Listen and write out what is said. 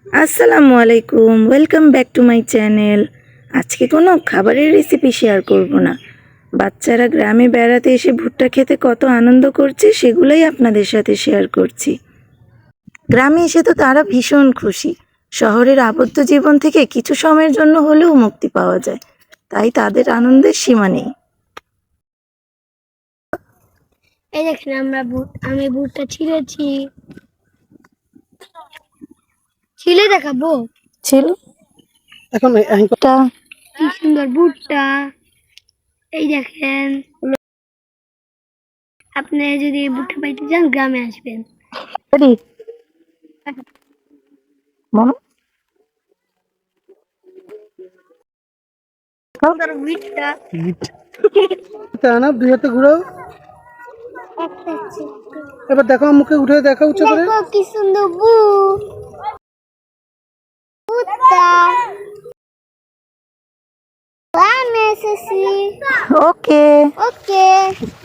আসসালামু আলাইকুম, welcome back to my channel. আজকে কোনো খাবারের রেসিপি শেয়ার করব না। বাচ্চারা গ্রামে বেড়াতে এসে ভুট্টা খেতে কত আনন্দ করছে সেগুলোই আপনাদের সাথে শেয়ার করছি। গ্রামে এসে তো তারা ভীষণ খুশি। শহরের আবদ্ধ জীবন থেকে কিছু সময়ের জন্য হলেও মুক্তি পাওয়া যায়, তাই তাদের আনন্দের সীমা নেই। এই দেখেন আমি ভুট্টা ছিঁড়েছি, ছিলে দেখাবো। ছিল এখন এটা কি সুন্দর ভুট্টা। এই দেখেন, আপনি যদি ভুট্টা পাইতে চান গ্রামে আসবেন। রেডি মনো সুন্দর ভুট্টা। না দুই হাতে ঘুরাও। এবার দেখো মুখে উঠে দেখা উচ্চ করে। দেখো কি সুন্দর ভুট্টা। গ্রামে এসেছি। ওকে ওকে।